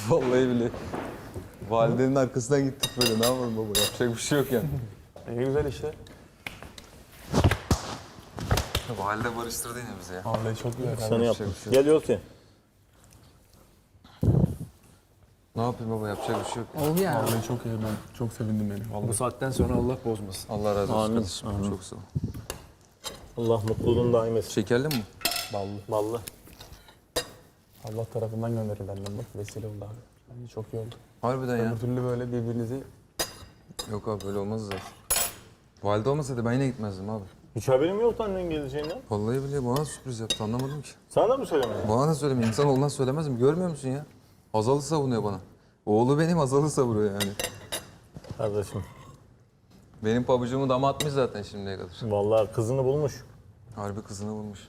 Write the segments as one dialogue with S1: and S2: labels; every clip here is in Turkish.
S1: Vallahi bile. Validenin arkasından gittik böyle. Ne yapalım baba? Yapacak bir şey yok yani.
S2: Ne güzel işte.
S1: Valide barıştırdı yine bizi ya.
S2: Vallahi çok güzel.
S3: Sana yaptım. Gel Yossi.
S1: Ne yapayım baba? Yapacak bir şey yok.
S4: Oldu ya.
S2: Vallahi çok iyi. Ben çok sevindim yani.
S4: Bu saatten sonra Allah bozmasın.
S1: Allah razı olsun
S3: Amin,
S1: kardeşim.
S3: amin.
S1: Çok sağ ol.
S3: Allah mutluluğunu daim etsin.
S1: Şekerli mi?
S2: Ballı.
S3: Ballı.
S2: Allah tarafından gönderilenler bak. Vesile oldu abi. Bence çok iyi oldu.
S1: Harbiden ya.
S2: Öbür türlü böyle birbirinizi...
S1: Yok abi böyle olmaz zaten. Valide olmasaydı ben yine gitmezdim abi.
S3: Hiç haberim yoktu annen geleceğinden.
S1: Vallahi bile bana sürpriz yaptı anlamadım ki.
S3: Sana da mı söylemedin?
S1: Bana da söylemiyor. İnsan olmaz söylemez mi? Görmüyor musun ya? Azal'ı savunuyor bana. Oğlu benim Azal'ı savuruyor yani.
S3: Kardeşim.
S1: Benim pabucumu dama atmış zaten şimdiye kadar.
S3: Vallahi kızını bulmuş.
S1: Harbi kızını bulmuş.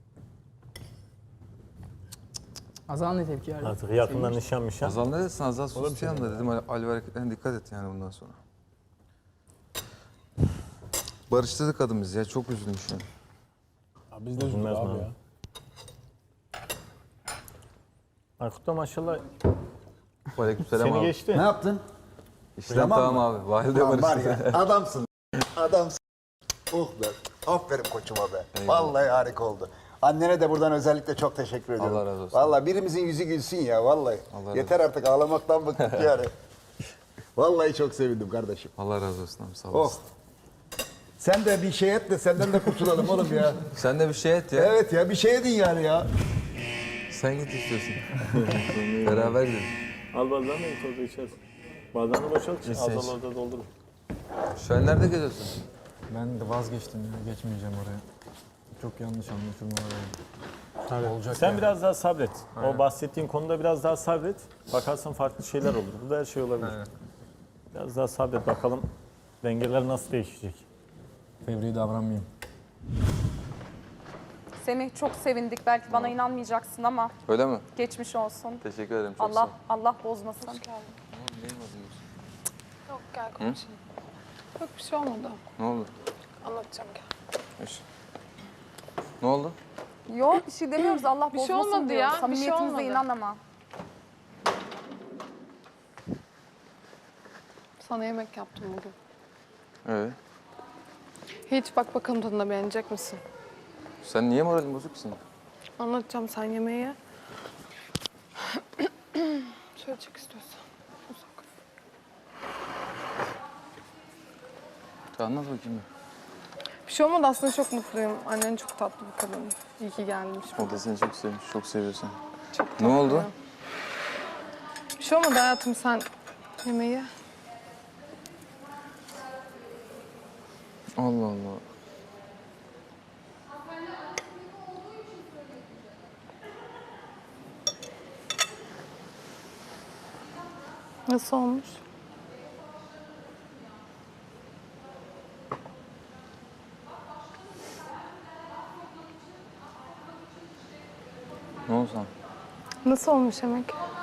S4: Azal ne tepki verdi?
S3: Artık yakından nişanmış ha.
S1: Azal ne desin? Azal sustu yanında dedim. Ali hareketlerine dikkat et yani bundan sonra. Barıştırdı kadın bizi ya. Çok üzülmüş yani.
S2: Ya biz de üzüldük
S3: Üzülmez mi
S2: abi
S3: abi?
S2: ya.
S3: Aykut da maşallah
S1: Aleykümselam
S3: seni
S1: abi.
S3: geçti.
S5: Ne yaptın?
S1: İşlem tamam abi. Valide
S5: Lan var
S1: barıştırdı.
S5: ya adamsın. Adamsın. Oh be. Aferin koçuma be. Vallahi harika oldu. Annene de buradan özellikle çok teşekkür ediyorum.
S1: Allah razı olsun.
S5: Vallahi birimizin yüzü gülsün ya vallahi.
S1: Allah razı
S5: Yeter artık ağlamaktan bıktık yani. Vallahi çok sevindim kardeşim.
S1: Allah razı olsun abi sağ
S5: Oh.
S1: olasın.
S5: Sen de bir şey et de senden de kurtulalım oğlum ya.
S1: Sen de bir şey et ya.
S5: Evet ya bir şey edin yani ya.
S1: Sen git istiyorsun. Beraber gidelim.
S3: Al bazen de git orada içersin. Bardağını boşalt. Az orada doldurun.
S1: Şu an nerede geziyorsun?
S6: Ben de vazgeçtim ya, geçmeyeceğim oraya. Çok yanlış anlaşılma var. Olacak
S3: Sen
S6: yani.
S3: biraz daha sabret. O bahsettiğin konuda biraz daha sabret. Bakarsın farklı şeyler olur. Burada her şey olabilir. Biraz daha sabret bakalım dengeler nasıl değişecek.
S6: Fevri davranmayayım.
S7: Semih çok sevindik. Belki bana inanmayacaksın ama
S1: Öyle mi?
S7: geçmiş olsun.
S1: Teşekkür ederim. Çok sağ ol.
S7: Allah bozmasın.
S8: Yok gel konuşalım. Yok bir şey olmadı.
S1: Ne oldu?
S8: Anlatacağım gel.
S1: Eş. Ne oldu?
S7: Yok bir şey demiyoruz. Allah
S8: Bir şey
S7: bozmasın
S8: olmadı
S7: diyoruz.
S8: ya, bir şey
S7: Samimiyetimize
S8: olmadı.
S7: inan ama.
S8: Sana yemek yaptım bugün.
S1: Evet.
S8: Hiç bak bakalım tadına beğenecek misin?
S1: Sen niye moralin bozuksun?
S8: Anlatacağım sen yemeği ye. Şöyle çık istiyorsan. Uzak.
S1: Anlat bakayım.
S8: Bir şey olmadı aslında çok mutluyum. Annen çok tatlı bir kadın. İyi ki gelmiş.
S1: O da seni çok sevmiş, çok seviyor seni.
S8: Çok
S1: Ne oldu?
S8: tatlı. Bir şey olmadı hayatım sen yemeği ye.
S1: Allah Allah.
S8: Nasıl olmuş?
S1: Ne oldu sana?
S8: Nasıl olmuş yemek?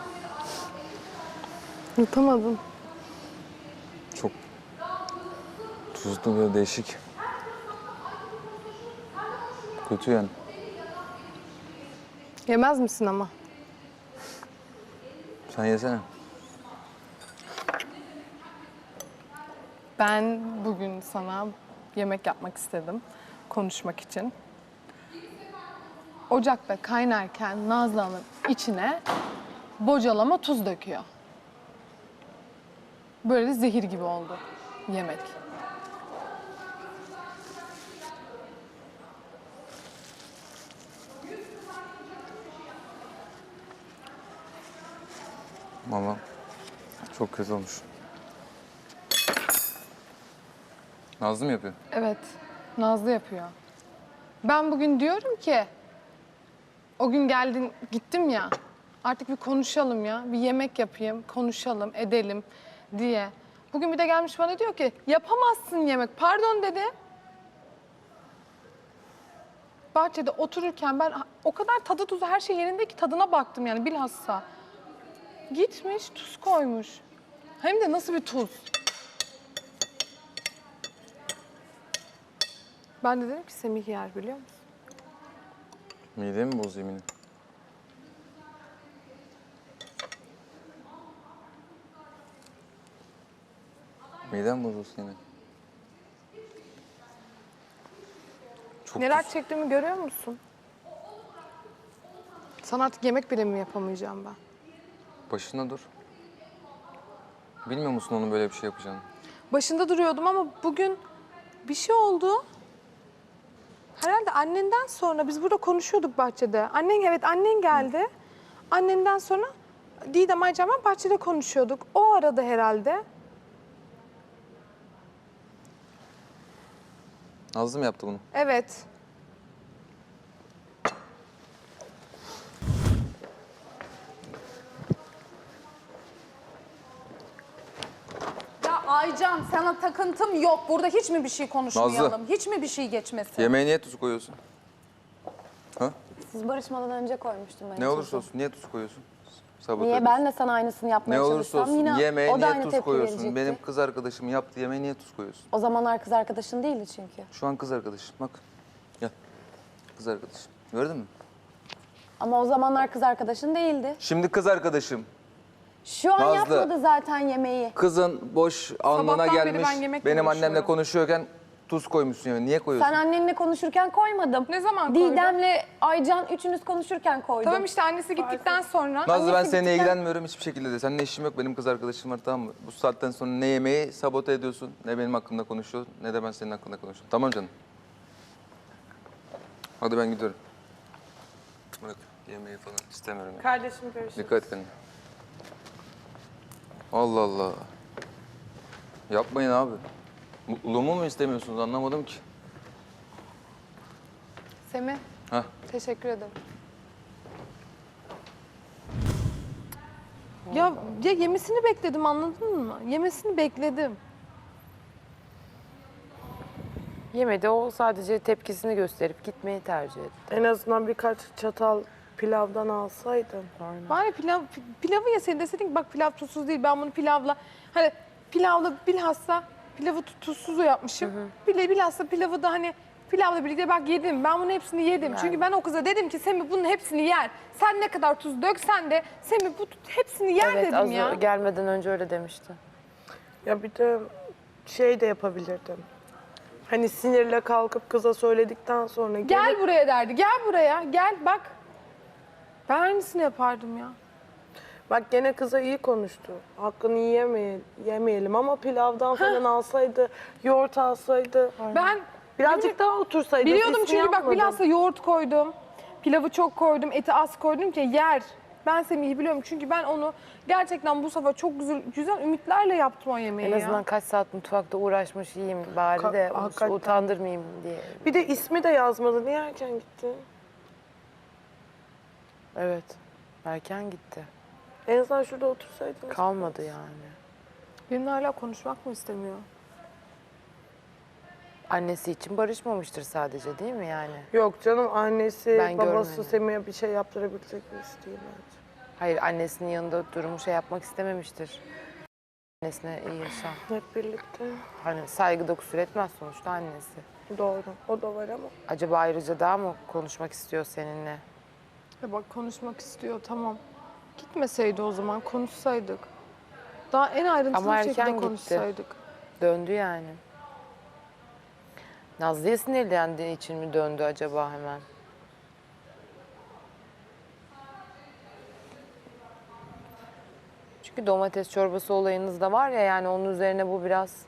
S8: Yutamadım.
S1: Çok tuzlu ve değişik. Kötü yani.
S8: Yemez misin ama?
S1: Sen yesene.
S8: Ben bugün sana yemek yapmak istedim, konuşmak için. Ocakta kaynarken Nazlı Hanım içine bocalama tuz döküyor. Böyle zehir gibi oldu yemek.
S1: Valla çok kötü olmuş. Nazlı mı yapıyor?
S8: Evet, Nazlı yapıyor. Ben bugün diyorum ki, o gün geldin, gittim ya, artık bir konuşalım ya, bir yemek yapayım, konuşalım, edelim diye. Bugün bir de gelmiş bana diyor ki, yapamazsın yemek, pardon dedi. Bahçede otururken ben o kadar tadı tuzu her şey yerinde ki tadına baktım yani bilhassa. Gitmiş, tuz koymuş. Hem de nasıl bir tuz? Ben de dedim ki Semih yer biliyor musun?
S1: Midemi boz yemini. Midem bozulsun yine. Çok
S8: Neler çektiğimi görüyor musun? Sana artık yemek bile mi yapamayacağım ben?
S1: Başına dur. Bilmiyor musun onun böyle bir şey yapacağını?
S8: Başında duruyordum ama bugün bir şey oldu. Herhalde annenden sonra biz burada konuşuyorduk bahçede. Annen geldi. Annenden sonra Didem Aycan ben bahçede konuşuyorduk. O arada herhalde.
S1: Nazlı mı yaptı bunu?
S8: Evet.
S7: Ya Aycan sana takıntım yok. Burada hiç mi bir şey konuşmayalım? Hiç mi bir şey geçmesin?
S1: Yemeğe niye tuz koyuyorsun? Ha?
S9: Siz barışmadan önce koymuştum ben.
S1: Ne olursa olsun niye tuz koyuyorsun? Sabote
S9: Niye?
S1: ediyorsun.
S9: Ben de sana aynısını yapmaya
S1: Ne olursa
S9: çalışsam
S1: olsun
S9: yine
S1: yemeğe
S9: o da
S1: niye
S9: aynı
S1: tuz
S9: tepki
S1: koyuyorsun?
S9: verecekti.
S1: Benim kız arkadaşım yaptığı yemeğe niye tuz koyuyorsun?
S9: O zamanlar kız arkadaşın değildi çünkü.
S1: Şu an kız arkadaşım bak. Gel. Kız arkadaşım. Gördün mü?
S9: Ama o zamanlar kız arkadaşın değildi.
S1: Şimdi kız arkadaşım.
S9: Şu an
S1: Nazlı.
S9: yapmadı zaten yemeği.
S1: Kızın boş alnına
S8: Sabahtan beri
S1: gelmiş.
S8: ben yemekle
S1: Benim annemle
S8: uğraşıyorum.
S1: konuşuyorken tuz koymuşsun yemeğe. Niye koyuyorsun?
S9: Sen annenle konuşurken koymadım.
S8: Ne zaman koydun?
S9: Didem'le Aycan üçünüz konuşurken koydum.
S8: Tamam işte annesi gittikten sonra.
S1: Nazlı ben
S9: annesi
S1: seninle
S9: gittikten-
S1: ilgilenmiyorum hiçbir şekilde de. Seninle işim yok. Benim kız arkadaşım var tamam mı? Bu saatten sonra ne yemeği sabote ediyorsun, ne benim hakkımda konuşuyorsun, ne de ben senin hakkında konuşuyorum. Tamam canım? Hadi ben gidiyorum. Bırak yemeği falan istemiyorum. Ya.
S8: Kardeşim görüşürüz.
S1: Dikkat et kendine. Allah Allah. Yapmayın abi. Mutluluğumu mu istemiyorsunuz anlamadım ki.
S8: Semih,
S1: Heh.
S8: teşekkür ederim. Ya yemesini bekledim anladın mı? Yemesini bekledim.
S10: Yemedi, o sadece tepkisini gösterip gitmeyi tercih etti.
S11: En azından birkaç çatal pilavdan alsaydın.
S8: Bari pilavı yeseydin deseydin ki bak pilav tuzsuz değil ben bunu pilavla hani pilavla bilhassa pilavı tuzsuz yapmışım. Bilhassa pilavı da hani pilavla birlikte bak yedim. Ben bunun hepsini yedim. Çünkü ben o kıza dedim ki Semih bunun hepsini yer. Sen ne kadar tuz döksen de Semih bu hepsini yer
S10: Evet,
S8: dedim
S10: az
S8: ya.
S10: gelmeden önce öyle demişti.
S11: Ya bir de şey de yapabilirdin. Hani sinirle kalkıp kıza söyledikten sonra
S8: Gel buraya derdi. Gel buraya. Gel bak. Ben aynısını yapardım ya.
S11: Bak gene kıza iyi konuştu. Hakkını yemeyelim ama pilavdan falan alsaydı, yoğurt alsaydı.
S8: Ben
S11: Birazcık daha otursaydı.
S8: biliyordum
S11: sesini
S8: çünkü bak
S11: yapmadın.
S8: bilhassa yoğurt koydum. Pilavı çok koydum, eti az koydum ki yer. Ben Semih'i biliyorum çünkü ben onu gerçekten bu sefer çok güzel ümitlerle yaptım o yemeği
S10: En
S8: ya.
S10: azından kaç saat mutfakta uğraşmış yiyeyim bari de
S11: Hakikaten.
S10: utandırmayayım diye.
S11: Bir de ismi de yazmadı. Niye erken gitti?
S10: Evet, erken gitti.
S11: En azından şurada otursaydınız.
S10: Kalmadı yani.
S8: Benimle hala konuşmak mı istemiyor?
S10: Annesi için barışmamıştır sadece değil mi yani?
S11: Yok canım annesi,
S10: Ben
S11: babası
S10: görmedim.
S11: Semih'e bir şey yaptırabilecek birisi değil bence.
S10: Hayır, annesinin yanında durumu şey yapmak istememiştir. Annesine iyi yaşa.
S11: Hep birlikte.
S10: Hani saygıda kusur etmez sonuçta annesi.
S11: Doğru. O da var ama.
S10: Acaba ayrıca daha mı konuşmak istiyor seninle?
S8: Ya bak konuşmak istiyor tamam. Gitmeseydi o zaman konuşsaydık. Daha en ayrıntılı
S10: Ama
S8: bir şekilde
S10: erken gitti.
S8: konuşsaydık.
S10: Döndü yani. Nazlı'ya sinirlendiği için mi döndü acaba hemen? Çünkü domates çorbası olayınız da var ya yani onun üzerine bu biraz...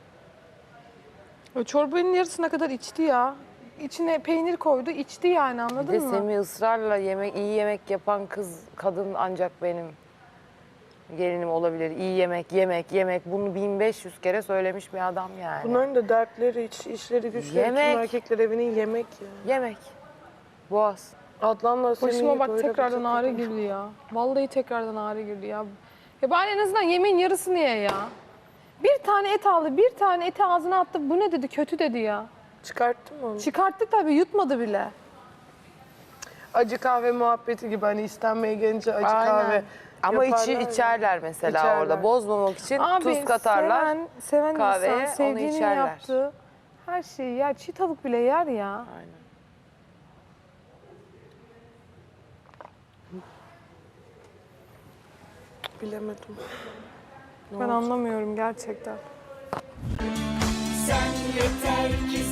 S8: O çorbanın yarısına kadar içti ya. İçine peynir koydu, içti yani
S10: Bir
S8: anladın
S10: de
S8: mı?
S10: Semih ısrarla iyi yemek yapan kadın ancak benim gelinim olabilir. İyi yemek. Bunu 1500 kere söylemiş bir adam yani.
S11: Bunların da dertleri, işleri, güçleri,
S10: Yemek.
S11: tüm erkekler evinin yemek ya.
S10: Yemek. Boğaz.
S11: Adnan'la
S8: Başıma
S11: Semih'i
S8: bak
S11: böyle
S8: tekrardan
S11: bir
S8: ağrı
S11: takım-
S8: girdi ya. Vallahi tekrardan ağrı girdi ya. Ya bari en azından yemeğin yarısını ye ya. Bir tane et aldı, bir tane eti ağzına attı. Bu ne dedi? Kötü dedi ya.
S11: Çıkarttın mı onu?
S8: Çıkarttı tabii, yutmadı bile.
S11: Acı kahve muhabbeti gibi hani istenmeye gelince acı
S10: Aynen.
S11: kahve
S10: Ama
S11: yaparlar ya.
S10: içerler mesela
S11: İçerler.
S10: orada. Bozmamak için
S8: Abi
S10: tuz katarlar.
S8: seven
S10: kahveye,
S8: insan
S10: onu
S8: sevdiğini
S10: içerler.
S8: yaptı. Her şeyi yer. Çiğ tavuk bile yer ya.
S10: Aynen.
S11: Bilemedim.
S8: Ben anlamıyorum gerçekten.
S12: Sen yeter ki